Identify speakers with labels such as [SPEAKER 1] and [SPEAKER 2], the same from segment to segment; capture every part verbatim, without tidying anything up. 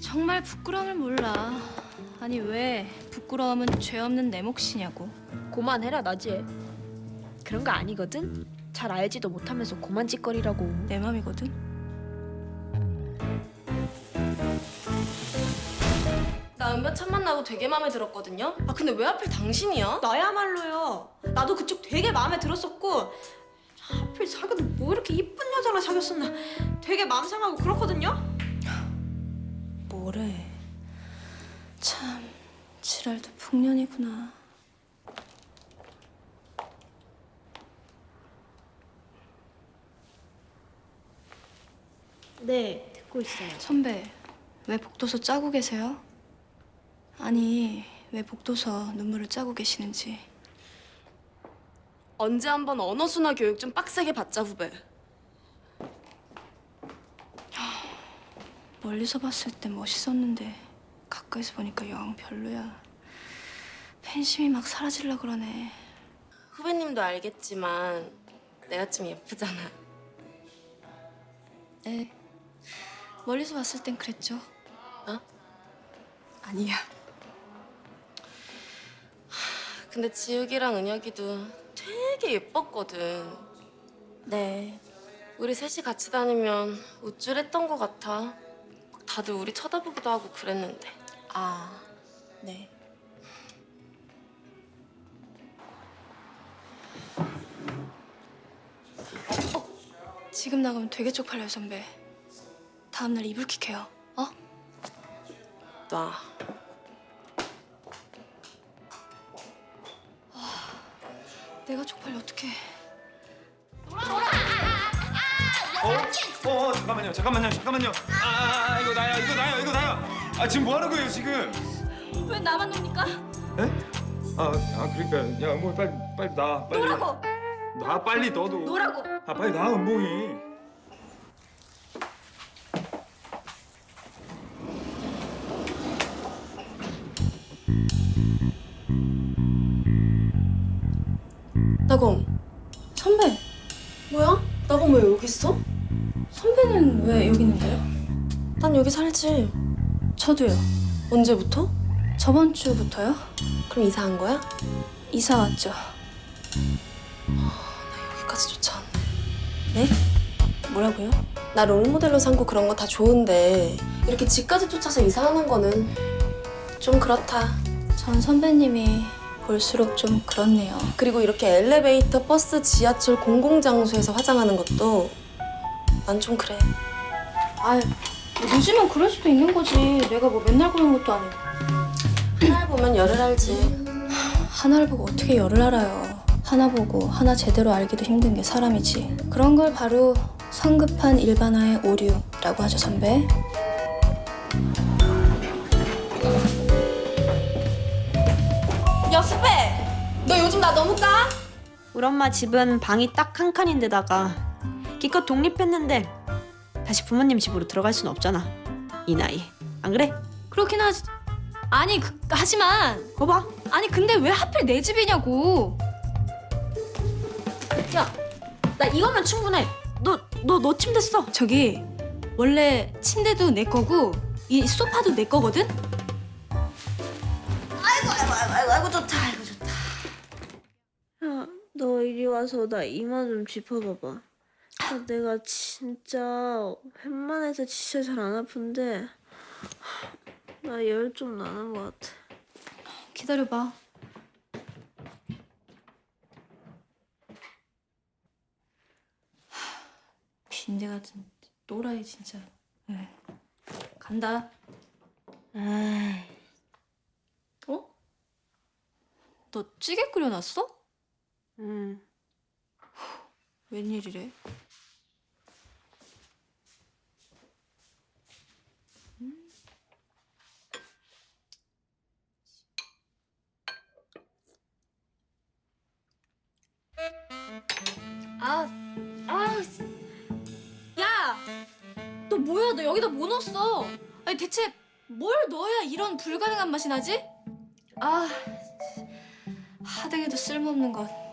[SPEAKER 1] 정말 부끄러움을 몰라. 아니 왜 부끄러움은 죄 없는 내 몫이냐고.
[SPEAKER 2] 고만해라 나지혜. 그런 거 아니거든. 잘 알지도 못하면서 고만 짓거리라고.
[SPEAKER 1] 내 맘이거든.
[SPEAKER 3] 나 은별 첫 만나고 되게 마음에 들었거든요. 아 근데 왜 하필 당신이야?
[SPEAKER 4] 나야말로요. 나도 그쪽 되게 마음에 들었었고 하필 사귀어도 뭐 이렇게 이쁜 여자랑 사귀었었나 되게 마음 상하고 그렇거든요.
[SPEAKER 1] 뭐래. 참 지랄도 풍년이구나.
[SPEAKER 4] 네, 듣고 있어요.
[SPEAKER 1] 선배 왜 복도서 짜고 계세요? 아니 왜 복도서 눈물을 짜고 계시는지.
[SPEAKER 3] 언제 한번 언어 순화 교육 좀 빡세게 받자 후배.
[SPEAKER 1] 멀리서 봤을 때 멋있었는데 가까이서 보니까 영 별로야. 팬심이 막 사라질라 그러네.
[SPEAKER 3] 후배님도 알겠지만 내가 좀 예쁘잖아.
[SPEAKER 1] 네. 멀리서 봤을 땐 그랬죠.
[SPEAKER 3] 어?
[SPEAKER 1] 아니야.
[SPEAKER 3] 근데 지욱이랑 은혁이도 되게 예뻤거든.
[SPEAKER 1] 네.
[SPEAKER 3] 우리 셋이 같이 다니면 우쭐했던 것 같아. 다들 우리 쳐다보기도 하고 그랬는데.
[SPEAKER 1] 아, 네. 어, 지금 나가면 되게 쪽팔려요, 선배. 다음날 이불킥해요. 어?
[SPEAKER 3] 놔.
[SPEAKER 1] 내가 쪽팔려 어떡해.
[SPEAKER 5] 어? 어, 잠깐만요, 잠깐만요, 잠깐만요. 아, 아, 아, 이거 나야, 이거 나야, 이거 나야. 아, 지금 뭐 하는 거예요, 지금?
[SPEAKER 1] 왜 나만 놉니까?
[SPEAKER 5] 에? 아, 아, 그러니까, 야, 뭐 빨리, 빨리 나, 빨리.
[SPEAKER 1] 노라고!
[SPEAKER 5] 나 빨리 너도.
[SPEAKER 1] 노라고!
[SPEAKER 5] 아, 빨리 나, 은봉이.
[SPEAKER 3] 나검.
[SPEAKER 1] 선배!
[SPEAKER 3] 뭐야? 나검 왜 여기 있어?
[SPEAKER 1] 선배는 왜 여기 있는데요?
[SPEAKER 3] 난 여기 살지.
[SPEAKER 1] 저도요.
[SPEAKER 3] 언제부터?
[SPEAKER 1] 저번 주부터요?
[SPEAKER 3] 그럼 이사한 거야?
[SPEAKER 1] 이사 왔죠.
[SPEAKER 3] 여기까지조차.
[SPEAKER 1] 네? 뭐라고요?
[SPEAKER 3] 나 롤모델로 삼고 그런 거 다 좋은데 이렇게 집까지 쫓아서 이사하는 거는 좀 그렇다.
[SPEAKER 1] 전 선배님이 볼수록 좀 그렇네요.
[SPEAKER 3] 그리고 이렇게 엘리베이터, 버스, 지하철, 공공장소에서 화장하는 것도 난 좀 그래.
[SPEAKER 1] 아유, 뭐 늦으면 그럴 수도 있는 거지. 내가 뭐 맨날 그런 것도 아니고.
[SPEAKER 3] 하나를 보면 열을 알지.
[SPEAKER 1] 하나를 보고 어떻게 열을 알아요. 하나 보고 하나 제대로 알기도 힘든 게 사람이지. 그런 걸 바로 성급한 일반화의 오류라고 하죠, 선배.
[SPEAKER 3] 야 수배! 너 요즘 나 너무 까?
[SPEAKER 4] 우리 엄마 집은 방이 딱 한 칸인데다가 기껏 독립했는데 다시 부모님 집으로 들어갈 순 없잖아. 이 나이. 안 그래?
[SPEAKER 1] 그렇긴 하지. 아니, 그, 하지만
[SPEAKER 4] 거봐.
[SPEAKER 1] 아니 근데 왜 하필 내 집이냐고.
[SPEAKER 4] 야, 나 이거면 충분해. 너, 너, 너 침대 써.
[SPEAKER 1] 저기 원래 침대도 내 거고 이 소파도 내 거거든?
[SPEAKER 4] 아이고, 아이고, 좋다. 아이고, 좋다. 야, 너 이리 와서 나 이마 좀 짚어봐봐. 아, 내가 진짜 웬만해서 진짜 잘 안 아픈데 나 열 좀 나는 것 같아.
[SPEAKER 1] 기다려봐. 빈대 같은 또라이 진짜. 네. 간다.
[SPEAKER 4] 에이.
[SPEAKER 1] 어? 너 찌개 끓여놨어?
[SPEAKER 4] 응.
[SPEAKER 1] 웬일이래? 음. 아, 아, 야, 너 뭐야? 너 여기다 뭐 넣었어? 아니 대체 뭘 넣어야 이런 불가능한 맛이 나지? 아, 하등에도 쓸모없는 것.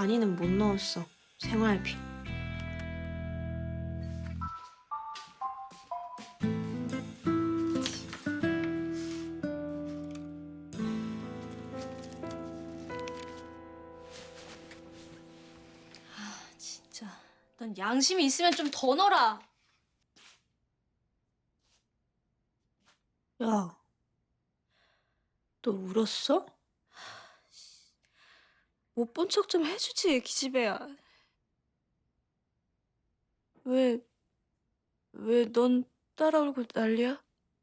[SPEAKER 2] 많이는 못 넣었어. 생활비.
[SPEAKER 1] 진짜. 넌 양심이 있으면 좀 더 넣어라.
[SPEAKER 2] 야, 너 울었어? 못 본 척 좀 해주지, 기집애야. 왜, 왜 넌 따라 울고 난리야?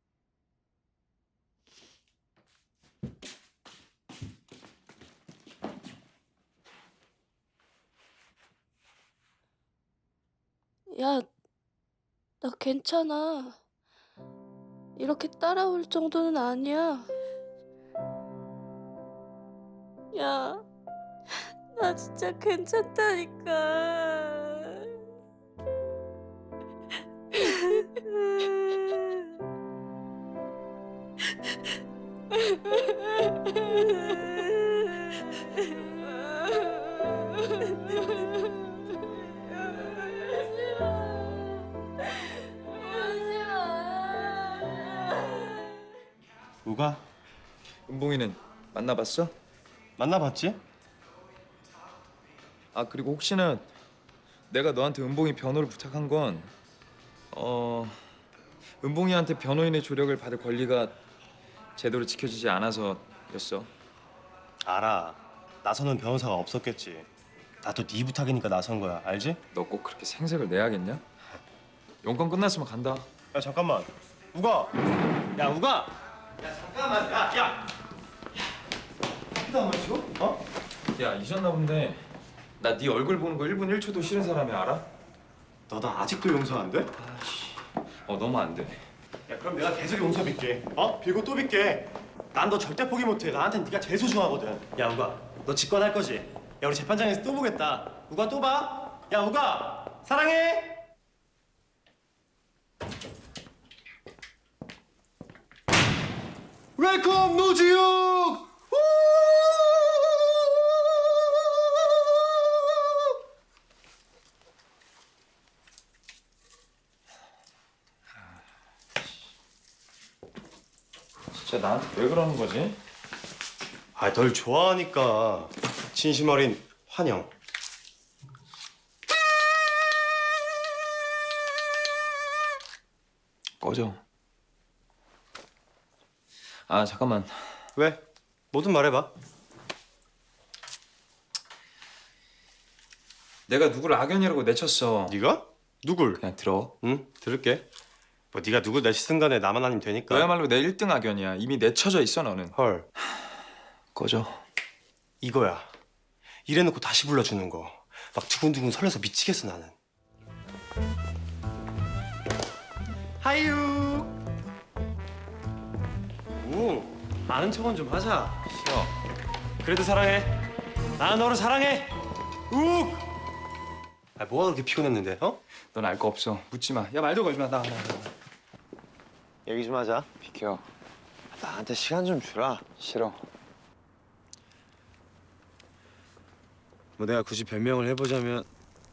[SPEAKER 2] 야, 나 괜찮아. 이렇게 따라올 정도는 아니야. 야, 나 진짜 괜찮다니까.
[SPEAKER 5] 누가? 은봉이는 만나봤어?
[SPEAKER 6] 만나봤지?
[SPEAKER 5] 아 그리고 혹시나 내가 너한테 은봉이 변호를 부탁한 건 어... 은봉이한테 변호인의 조력을 받을 권리가 제대로 지켜지지 않아서였어.
[SPEAKER 6] 알아. 나서는 변호사가 없었겠지. 나도 네 부탁이니까 나선 거야. 알지?
[SPEAKER 5] 너 꼭 그렇게 생색을 내야겠냐? 용건 끝났으면 간다.
[SPEAKER 6] 야 잠깐만. 우가. 야 우가. 야 잠깐만. 야 야. 커피도 안 마시고? 어?
[SPEAKER 5] 야 잊었나 본데 나 네 얼굴 보는 거 일 분 일 초도 싫은 사람이 알아?
[SPEAKER 6] 너 나 아직도 용서 안 돼?
[SPEAKER 5] 어 너무 안 돼.
[SPEAKER 6] 야 그럼 내가 계속 용서 빌게. 어? 빌고 또 빌게. 난 너 절대 포기 못해. 나한텐 네가 제일 소중하거든. 야 우가. 너 직권할 거지? 야 우리 재판장에서 또 보겠다. 우가 또 봐. 야 우가. 사랑해. 웰컴 노지욱!
[SPEAKER 5] 진짜 나한테 왜 그러는 거지?
[SPEAKER 6] 아, 널 좋아하니까 진심 어린 환영.
[SPEAKER 5] 꺼져. 아 잠깐만.
[SPEAKER 6] 왜? 뭐든 말해봐.
[SPEAKER 5] 내가 누구를 악연이라고 내쳤어.
[SPEAKER 6] 네가? 누굴?
[SPEAKER 5] 그냥 들어.
[SPEAKER 6] 응, 들을게. 뭐 네가 누굴 내치든 간에 나만 아니면 되니까.
[SPEAKER 5] 너야말로 내 일 등 악연이야. 이미 내쳐져 있어 너는.
[SPEAKER 6] 헐,
[SPEAKER 5] 꺼져.
[SPEAKER 6] 이거야. 이래놓고 다시 불러주는 거. 막 두근두근 설레서 미치겠어 나는. 하이유. 오, 아는 척은 좀 하자.
[SPEAKER 5] 싫어.
[SPEAKER 6] 그래도 사랑해. 나는 너를 사랑해. 욱. 아, 뭐가 그렇게 피곤했는데? 어?
[SPEAKER 5] 넌 알 거 없어. 묻지 마. 야 말도 걸지 마. 나. 나, 나.
[SPEAKER 7] 얘기 좀 하자.
[SPEAKER 5] 비켜.
[SPEAKER 7] 나한테 시간 좀 주라.
[SPEAKER 5] 싫어.
[SPEAKER 7] 뭐 내가 굳이 변명을 해보자면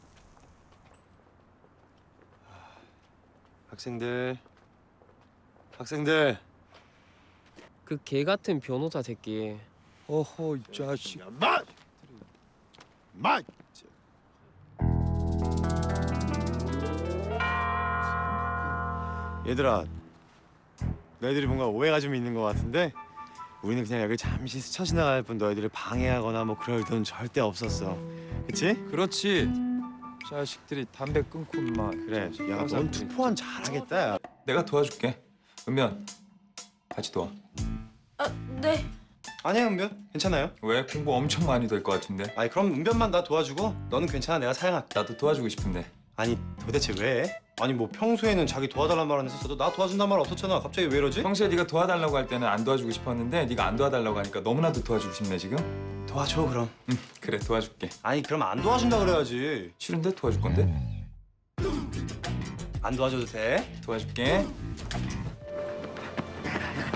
[SPEAKER 7] 학생들, 학생들.
[SPEAKER 8] 그 개 같은 변호사 새끼.
[SPEAKER 7] 어허 이 자식. 마, 마. 얘들아, 너희들이 뭔가 오해가 좀 있는 것 같은데 우리는 그냥 여기 잠시 스쳐 지나갈 뿐 너희들을 방해하거나 뭐 그럴 의도는 절대 없었어. 그치?
[SPEAKER 5] 그렇지. 자식들이 담배 끊고 인마.
[SPEAKER 6] 그래. 야, 넌 투포한 잘하겠다. 야.
[SPEAKER 5] 내가 도와줄게. 은면 같이 도와.
[SPEAKER 2] 아, 네.
[SPEAKER 6] 아니야, 은변. 괜찮아요.
[SPEAKER 5] 왜? 공부 엄청 많이 될 것 같은데.
[SPEAKER 6] 아니, 그럼 은변만 나 도와주고 너는 괜찮아. 내가 사양할게.
[SPEAKER 5] 나도 도와주고 싶은데.
[SPEAKER 6] 아니, 도대체 왜? 아니, 뭐 평소에는 자기 도와달란 말 안 했었어도 나 도와준단 말 없었잖아. 갑자기 왜 이러지?
[SPEAKER 5] 평소에 네가 도와달라고 할 때는 안 도와주고 싶었는데 네가 안 도와달라고 하니까 너무나도 도와주고 싶네 지금.
[SPEAKER 6] 도와줘, 그럼.
[SPEAKER 5] 응 그래 도와줄게.
[SPEAKER 6] 아니, 그럼 안 도와준다 그래야지.
[SPEAKER 5] 싫은데 도와줄 건데?
[SPEAKER 6] 안 도와줘도 돼?
[SPEAKER 5] 도와줄게.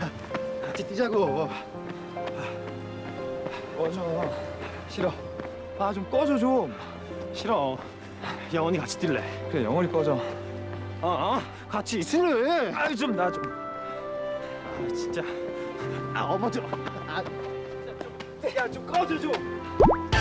[SPEAKER 7] 같이 뛰자고.
[SPEAKER 5] 꺼져. 싫어. 아 좀 꺼줘 좀.
[SPEAKER 6] 싫어. 영원히 같이 뛸래.
[SPEAKER 5] 그래 영원히 꺼져.
[SPEAKER 6] 어, 어? 같이 있을래.
[SPEAKER 5] 아이 좀 나 좀.
[SPEAKER 6] 아, 진짜. 아, 어머 좀. 아,
[SPEAKER 5] 야 좀 꺼줘 좀.